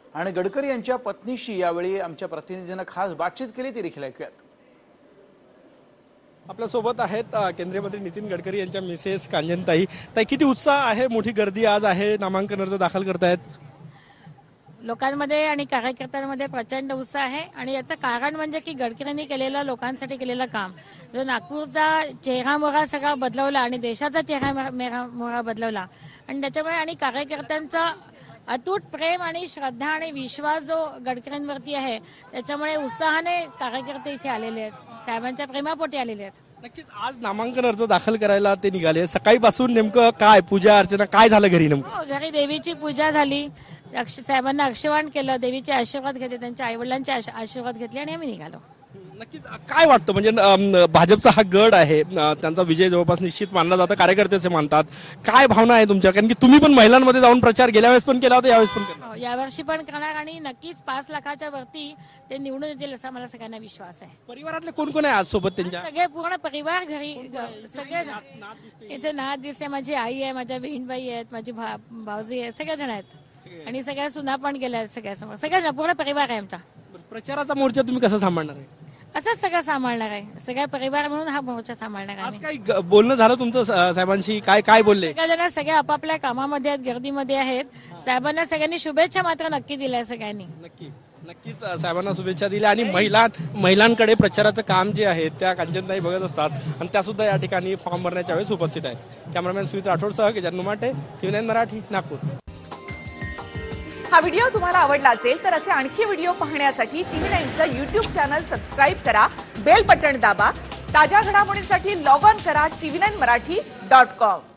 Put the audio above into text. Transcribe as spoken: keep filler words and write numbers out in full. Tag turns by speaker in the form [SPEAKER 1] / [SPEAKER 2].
[SPEAKER 1] आणि गडकरी यांच्या पत्नीशी यावेळी आमच्या प्रतिनिधीने खास बातचीत केली, ती देखील ऐकूयात।
[SPEAKER 2] आपल्या सोबत आहेत केंद्रीय मंत्री नितीन गडकरी यांच्या मिसेस कांजनताई। ताई, किती उत्साह आहे, मोठी गर्दी आज आहे, नामांकन अर्ज दाखल करतायत?
[SPEAKER 3] लोकांमध्ये आणि कार्यकर्त्यांमध्ये प्रचंड उत्साह आहे आणि याचं कारण म्हणजे की गडकरींनी केलेलं लोकांसाठी केलेलं काम, जो नागपूरचा चेहरा मोहरा सगळा बदलवला आणि देशाचा चेहरा मोहरा बदलवला आणि त्याच्यामुळे आणि कार्यकर्त्यांचा अतूट प्रेम आणि श्रद्धा आणि विश्वास जो गडकरींवरती आहे, त्याच्यामुळे उत्साहाने कार्यकर्ते इथे आलेले आहेत, साहेबांच्या प्रेमापोटी आलेले आहेत।
[SPEAKER 2] नक्कीच आज नामांकन अर्ज दाखल करायला ते निघाले। सकाळीपासून नेमकं काय पूजा अर्चना काय झालं घरी नेमकं?
[SPEAKER 3] घरी देवीची पूजा झाली, साहेबांना अक्षवान केलं, देवीचे आशीर्वाद घेतले, त्यांच्या आईवडिलांचे आशीर्वाद घेतले आणि आम्ही निघालो।
[SPEAKER 2] नक्कीच काय वाटतं, म्हणजे भाजपचा हा गड आहे, त्यांचा विजय जवळपास निश्चित मानला जातं, कार्यकर्ते असे मानतात, काय भावना आहे तुमच्या? कारण की तुम्ही पण महिलांमध्ये जाऊन प्रचार गेल्या वेळेस पण केला होता, यावेळेस पण करणार?
[SPEAKER 3] यावर्षी पण करणार आणि नक्कीच पाच लाखाच्या वरती ते निवडून येतील असा मला सगळ्यांना विश्वास आहे।
[SPEAKER 2] परिवारातले कोण कोण आहे आज सोबत त्यांच्या?
[SPEAKER 3] सगळे पूर्ण परिवार घरी, सगळे इथे नात दिसते, माझी आई आहे, माझ्या बहीणबाई आहेत, माझी भाऊजी आहे, सगळे जण आहेत आणि सगळ्या सुना पण गेल्या आहेत, सगळ्यासमोर सगळ्या पूर्ण परिवार आहे आमचा।
[SPEAKER 2] प्रचाराचा मोर्चा तुम्ही कसा सांभाळणार आहे?
[SPEAKER 3] असंच सगळं सांभाळणार आहे, सगळ्या परिवार म्हणून हा मोर्चा सांभाळणार आहे।
[SPEAKER 2] आज काही बोलणं झालं तुमचं साहेबांशी? काय काय बोलले?
[SPEAKER 3] सगळेजण सगळे आपापल्या कामामध्ये आहेत, गर्दीमध्ये आहेत, साहेबांना सगळ्यांनी शुभेच्छा मात्र नक्की दिल्या सगळ्यांनी।
[SPEAKER 2] नक्की नक्कीच साहेबांना शुभेच्छा दिल्या आणि महिला महिलांकडे प्रचाराचं काम जे आहे त्या कांचनताई बघत असतात आणि त्या सुद्धा या ठिकाणी फॉर्म भरण्याच्या वेळेस उपस्थित आहेत। कॅमेरामॅन सुमित राठोडसह गजानन नुमाटे, टीव्ही नाईन मराठी, नागपूर।
[SPEAKER 4] हा व्हिडिओ तुम्हाला आवडला असेल तर असे आणखी व्हिडिओ पाहण्यासाठी टीव्ही नाईनचं यूट्यूब चॅनल सबस्क्राईब करा, बेल बटण दाबा, ताज्या घडामोडींसाठी लॉग ऑन करा TV nine Marathi dot com.